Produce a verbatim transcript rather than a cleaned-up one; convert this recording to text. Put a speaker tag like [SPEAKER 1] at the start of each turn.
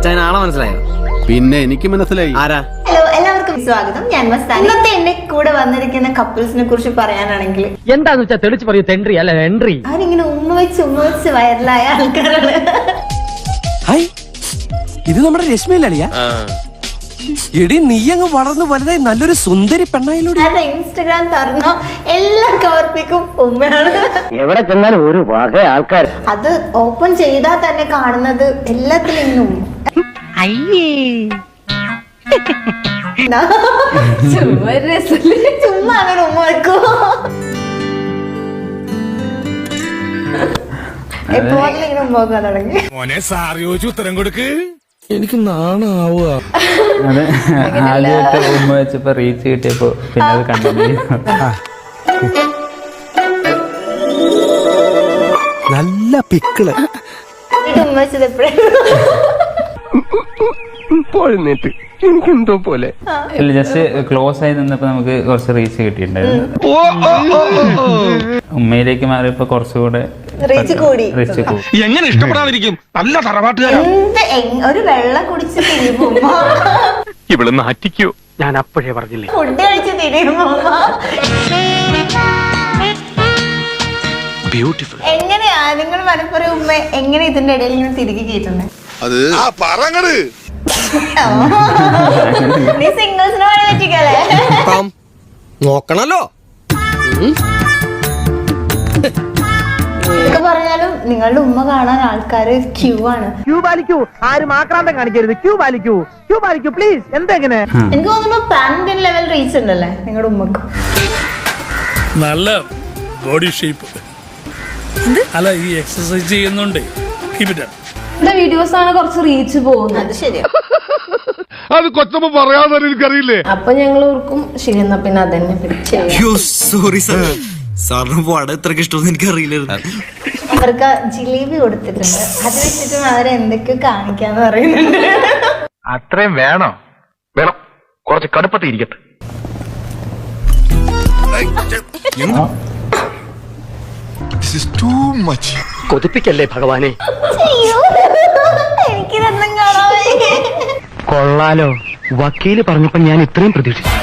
[SPEAKER 1] അച്ഛൻ ആളെ മനസ്സിലായോ?
[SPEAKER 2] പിന്നെ എനിക്ക് മനസ്സിലായി.
[SPEAKER 1] ആരാ?
[SPEAKER 3] ഹലോ, എല്ലാവർക്കും സ്വാഗതം. ഞാൻ മസ്താനി. ഇന്നത്തെ എന്റെ കൂടെ വന്നിരിക്കുന്ന കപ്പിൾസിനെ കുറിച്ച് പറയാനാണെങ്കിൽ
[SPEAKER 4] എന്താന്ന് വെച്ചാൽ തെളിച്ച് പറയൂ. തെൻട്രി അല്ല എൻട്രി.
[SPEAKER 3] അവരിങ്ങനെ ഉമ്മ വെച്ച് ഉമ്മ വെച്ച് വൈറലായ ആൾക്കാരാണ്.
[SPEAKER 5] ഇത് നമ്മുടെ രശ്മിയിലളിയാ. എടി നീ അങ്ങ് വളർന്നു വലുതായി നല്ലൊരു സുന്ദരി പെണ്ണായിലൂടെ.
[SPEAKER 3] ഇൻസ്റ്റഗ്രാം തുറന്നോ എല്ലാം കവർപ്പിക്കും ഉമ്മയാണ്.
[SPEAKER 4] എവിടെ ചെന്നാലും ഒരു വക ആൾക്കാർ.
[SPEAKER 3] അത് ഓപ്പൺ ചെയ്താൽ തന്നെ കാണുന്നത് എല്ലാത്തിലും ഇന്നും ചുമ്മാ അങ്ങനെ ഉമ്മ വെക്കോ. എപ്പോഴും ഇങ്ങനെ ഉമ്മ വെക്കാൻ തുടങ്ങി.
[SPEAKER 6] മോനെ സാറി ചോദിച്ചു ഉത്തരം കൊടുക്ക്.
[SPEAKER 7] എനിക്ക് നാണാവുക.
[SPEAKER 8] അതെ, ആദ്യമായിട്ട് ഉമ്മ വെച്ചപ്പോ റീച്ച് കിട്ടിയപ്പോ പിന്നെ അത് കണ്ടിന്യൂ.
[SPEAKER 5] നല്ല പിക്കിള്
[SPEAKER 3] ഉമ്മ വെച്ചത് എപ്പോഴും
[SPEAKER 5] പോഴുന്നേറ്റ് എനിക്കെന്തോ പോലെ.
[SPEAKER 8] ഇല്ല, ജസ്റ്റ് ക്ലോസ് ആയി നിന്നപ്പോ നമുക്ക് കുറച്ച് റീച്ച് കിട്ടിയിട്ടുണ്ടായിരുന്നു. ഉമ്മയിലേക്ക് മാറിയപ്പോ കുറച്ചുകൂടെ
[SPEAKER 3] റീച്ച് കൂടി.
[SPEAKER 8] റീച്ച് കൂടി.
[SPEAKER 6] എങ്ങനെ ഇഷ്ടപ്പെടാതിരിക്കും? നല്ല തറവാട്ടുകാരാ.
[SPEAKER 3] എന്ത് എങ്- ഒരു വെള്ളം കുടിച്ച് തിരിയുമ്പോ
[SPEAKER 6] ഇവിടെ നാറ്റിക്കോ? ഞാൻ അപ്പോഴേ പറഞ്ഞില്ലേ.
[SPEAKER 3] ഫുഡ് കഴിച്ച് തിരിയുമ്പോ
[SPEAKER 6] ബ്യൂട്ടിഫുൾ.
[SPEAKER 3] എങ്ങനെയാ നിങ്ങൾ മനപ്പുറം ഉമ്മ എങ്ങനെ ഇതിന്റെ ഇടയിൽ നിന്ന് തിരികെ കേട്ടുന്നത്?
[SPEAKER 7] അത് ആ പറങ്ങട്
[SPEAKER 3] നീ സിംഗിൾസിനെ വേണം പറ്റിക്കല്ലേ?
[SPEAKER 5] നോക്കണല്ലോ.
[SPEAKER 3] ഇതൊക്കെ പറഞ്ഞാലും നിങ്ങളുടെ ഉമ്മ കാണാൻ ആൾക്കാര് ക്യൂ ആണ്.
[SPEAKER 4] ക്യൂ പാലിക്കൂ. ആരും ആക്രാന്തം കാണിക്കരുത്. ക്യൂ പാലിക്കൂ. ക്യൂ പാലിക്കൂ പ്ലീസ്. എന്തെങ്ങനെ?
[SPEAKER 3] എനിക്ക് തോന്നുന്നു പാൻ ലെവൽ റീച്ച് ഉണ്ടല്ലേ നിങ്ങളുടെ ഉമ്മക്ക്.
[SPEAKER 7] നല്ല ബോഡി ഷേപ്പ്. അല്ല, ഈ എക്സസൈസ് ചെയ്യുന്നുണ്ട്.
[SPEAKER 9] വീഡിയോസ് ആണ് കുറച്ച് റീച്ച് പോകുന്നത്.
[SPEAKER 3] അത് ശരിയാ.
[SPEAKER 6] അത് കൊച്ചമ്മ പറയാതെ എനിക്കറിയില്ലേ.
[SPEAKER 9] അപ്പൊ ഞങ്ങൾ ഓർക്കും ശരി എന്നാ പിന്നെ അതന്നെ
[SPEAKER 5] സോറി സാർ, സാറിന് പാടാൻ ഇത്രക്ക് ഇഷ്ടമൊന്നും എനിക്കറിയില്ലായിരുന്നു.
[SPEAKER 3] അവർക്ക് ജിലേബി കൊടുത്തിട്ടുണ്ട്. അത് വെച്ചിട്ടും അവരെ എന്തൊക്കെയോ കാണിക്കാന്ന് പറയുന്നുണ്ട്.
[SPEAKER 6] അത്രയും വേണോ? വേണം. കുറച്ച് കടുപ്പത്തിൽ ഇരിക്കട്ടെ.
[SPEAKER 4] കൊതിപ്പിക്കല്ലേ ഭഗവാനെ.
[SPEAKER 3] അയ്യോ, എനിക്കിതൊന്നും കാണാൻ വയ്യ.
[SPEAKER 4] കൊള്ളാലോ, വക്കീല് പറഞ്ഞപ്പോ ഞാൻ ഇത്രയും പ്രതീക്ഷിച്ചു.